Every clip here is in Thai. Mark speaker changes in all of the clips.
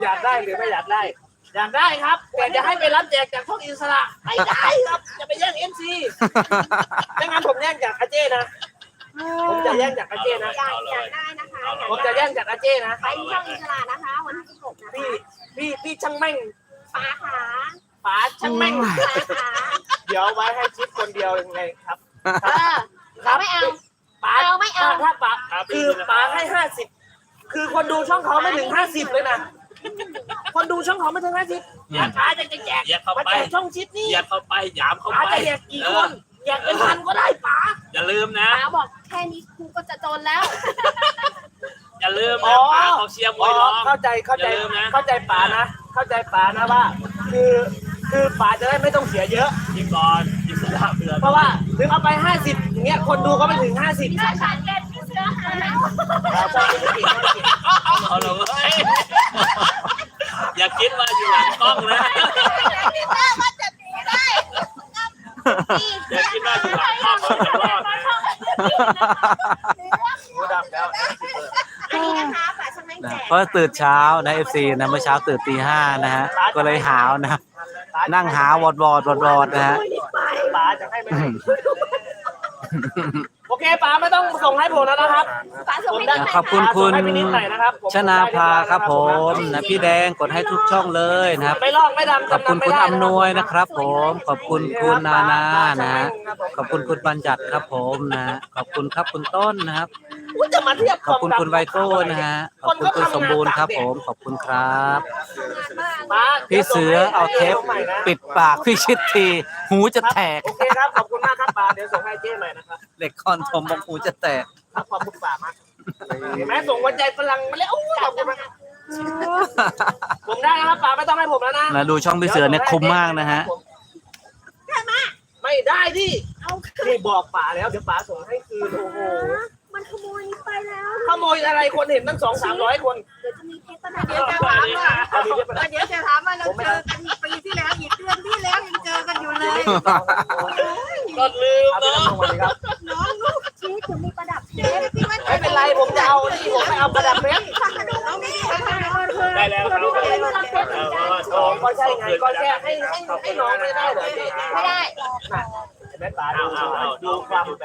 Speaker 1: อยากได้หรือไม่อยากได้อยากได้ครับแต่จะให้ไปรับแจกจากพวกอิสระไม่ได้ครับจะไปแย่งMCไม่งั้นผมแย่งจากอาเจ้นะผมจะแย่งจากอาเจ้นะ
Speaker 2: อยากได้นะคะ
Speaker 1: ผมจะแย่งจากอาเจ้นะ
Speaker 2: ไปที่ช่องอิสระนะคะวันที่16นะคะ
Speaker 1: พี่ช่างแม่ง
Speaker 2: ป๋าขา
Speaker 1: ป๋าช่างแม่ง
Speaker 2: ป๋าขา
Speaker 1: เดี๋ยวไว้ให้ชิปคนเดียวยังไงครับ
Speaker 2: เราไม่เอา
Speaker 1: ป๋า
Speaker 2: ไม่เอา
Speaker 1: ถ้าป๋าคือป๋าให้50คือคนดูช่องเขาไม่ถึง50เลยนะคนดูช่องเขาไม่ถึง50อย่าช้าจะแจกมาแจกช่องชิปนี่
Speaker 3: อย่าเข้าไปหยามเข้าไป
Speaker 1: จะแจกกี่คนแจกเป็นพันก็ได้ป๋า
Speaker 3: อย่าลืมนะ
Speaker 2: ป๋าบอกแค่นี้ครูก็จะจนแล้ว
Speaker 3: อย่าลืมนะป๋าเขาเชียร์มวยร้อง
Speaker 1: เข้าใจป๋านะเข้าใจป๋านะว่าคือป๋าจะได้ไม่ต้องเสียเยอะ
Speaker 3: อีกก่อนอิสระเบื่อ
Speaker 1: เพราะว่าถึงเอาไป50อย่างเงี้ยคนดูก็ไม่ถึง50
Speaker 2: พี่ชายเล่นพี่เสือหา
Speaker 3: เอาเลยอย่าคิดว่าอยู่หลังกล้องนะอย่าคิดว่าอยู่หลังกล้องเราจะรอดนะ
Speaker 4: เพราะตื่นเช้านะ FC นะเมื่อเช้าตื่นตี 5นะฮะก็เลยหาวนะนั่งหาวอดนะฮะ
Speaker 1: ป๋าจะให้ไม่โอเคป๋าไม่ต้องส่งให้ผมแล้วนะครับ
Speaker 4: ขอบคุณคุณชนาภาครับผมนะพี่แดงกดให้ทุกช่องเลยนะครับ
Speaker 1: ไม่ลอกไม่ดำ
Speaker 4: ขอบคุณคุณอำนวยนะครับผมขอบคุณคุณนานานะขอบคุณคุณบัญญัติครับผมนะขอบคุณครับคุณต้นนะครับขอบคุณคุณไวโก้นะฮะขอบคุณคุณสมบูรณ์ครับผมขอบคุณครับพี่เสือเอาเทปปิดปากพี่ชิดทีหูจะแตก
Speaker 1: โอเคครับขอบคุณมากครับป๋าเดี๋ยวส่งให้เจ้ใหม่นะครับ
Speaker 4: เด็กคอนทมบอกหูจะแตก
Speaker 1: ขอบคุณป๋ามากแม่ส่งวันใจพลังมาแล้วขอบคุณมากผมได้นะครับป๋าไม่ต้องให้ผมแล้วนะ
Speaker 4: ดูช่องพี่เสือเนี่ยคุ้มมากนะฮะ
Speaker 1: ไม่ได้ดินี่บอกป๋าแล้วเดี๋ยวป๋าส่งให้คืนโอ้โห
Speaker 2: มันขโมยไปแล้ว
Speaker 1: ขโมยอะไรคนเห็นตั้ง200-300 คน
Speaker 2: เดี๋ยวจะมีเทปเดี๋ยวจะถามว่าเราเจอกันปีที่แล้วอีกเดือนที่แล้วยังเจอกันอยู่เลย
Speaker 3: ก็ลืมเนาะ
Speaker 2: น้องลูกชี้ถึงมีประดับเพชร
Speaker 1: ไม่เป็นไรผมจะเอาที่ผมไม่เอาประดับเพชร
Speaker 3: ได้แล้วครับ
Speaker 1: ก็ใช่ไงก็แค่ให้น้องไม่ได้เหรอ
Speaker 2: ไม่ได้
Speaker 1: แม่ป๋าดูความแบบ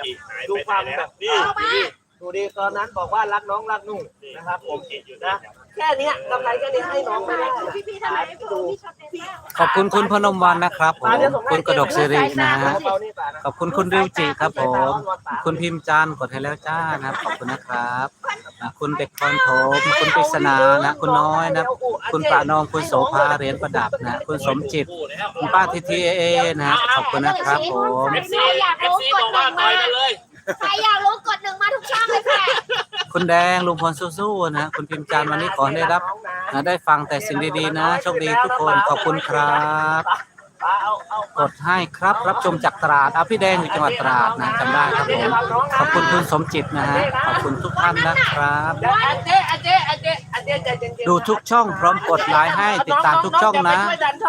Speaker 1: ดูดิตอนนั้นบอกว่ารักน้องรักนุ่งนะครับผมนะแค่นี้กำไรแค่นี้ให้น้องไม่ได้
Speaker 4: ขอบคุณคุณพนมวันนะครับผมคุณกระดกสิรินะฮะขอบคุณคุณริวจิครับผมคุณพิมพ์จันกดให้แล้วจ้านะครับขอบคุณนะครับคุณเด็กคอนโถมคุณปริศนานะคุณน้อยนะคุณปานองคุณโสภาเหรียญประดับนะคุณสมจิตคุณป้าทีทีเอนะขอบคุณนะครับผม
Speaker 2: ใครอยากรู้กด1มาใครอยากรู้กด1มาทุกช่องเลยค่ะ
Speaker 4: คุณแดงลุงพลสู้ๆนะคุณพิมพ์จันวันนี้ขอได้รับได้ฟังแต่สิ่งดีๆนะโชคดีทุกคนขอบคุณครับกดให้ครับรับชมจากตราดพี่แดงอยู่จังหวัดตราดนะจำได้ครับผมขอบคุณคุณสมจิตนะฮะขอบคุณทุกท่านนะครับดูทุกช่องพร้อมกดไลค์ให้ติดตามทุกช่องนะ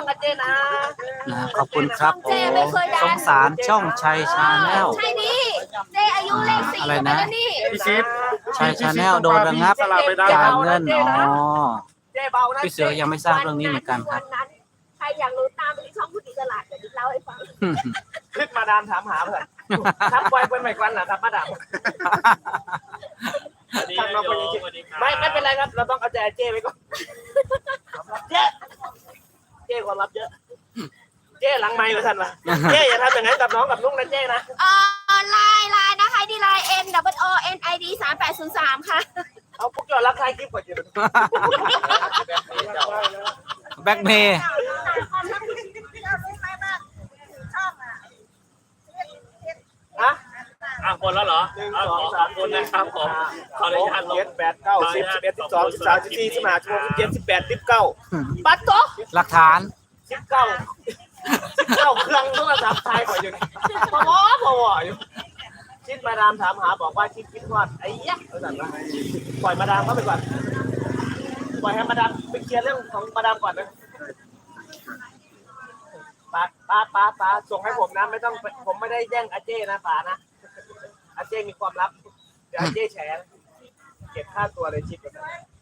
Speaker 4: ขอบคุณครับผมสงสารช่องชัยชาแนล
Speaker 2: ใช่ดิเจอายุเลข4
Speaker 4: อะไรนะ
Speaker 3: พี่ชิป
Speaker 4: ชัยชาแนลโดนระงับจ่ายเงินพี่เสือยังไม่ทราบเรื่องนี้เหมือนกันครับ
Speaker 2: ใครอยากรู้ตามไปที่ช่องผู้ติดตลาดเดี๋ยวเล่าให้ฟัง
Speaker 1: คลิปมาดามถามหาเพื่อนทักไว้เป็นใหม่กันเหรอครับมาดามไม่เป็นไรครับเราต้องเอาใจเจ้ไปก่อนเจ้ความลับเยอะเจ้หลังไมค์มาทันมาเจ้อย่าทำอย่างนั้นกับน้องกับนุ่งนะเจ้นะ
Speaker 2: ไลน์นะคะดีไลน์ NOONID 3803ค่ะ
Speaker 1: เอาพวกเรารักใครคลิปก่อนเดี๋ยว
Speaker 4: แบ็คเมย์
Speaker 3: คนแล้วเหรอ1 2 3คนนะครับผมขออนุญาตลง
Speaker 1: 7 8 9 10 11 12 13 14 15 16 17 18 19ปัดโต
Speaker 4: หลักฐาน
Speaker 1: 19เครื่องโทรศัพท์ไทยก่อนอยู่นี่พออยู่ชิดมาดามถามหาบอกว่าชิดคิดว่าไอ้ยักษ์ปล่อยมาดามเข้าไปก่อนปล่อยให้มาดามไปเคลียร์เรื่องของมาดามก่อนนะป้าส่งให้ผมนะไม่ต้องผมไม่ได้แย่งอาเจ้นะป้านะอาเจ้มีความลับเดี๋ยวอาเจ้แฉเก็บค่าตัวเลยชิดกัน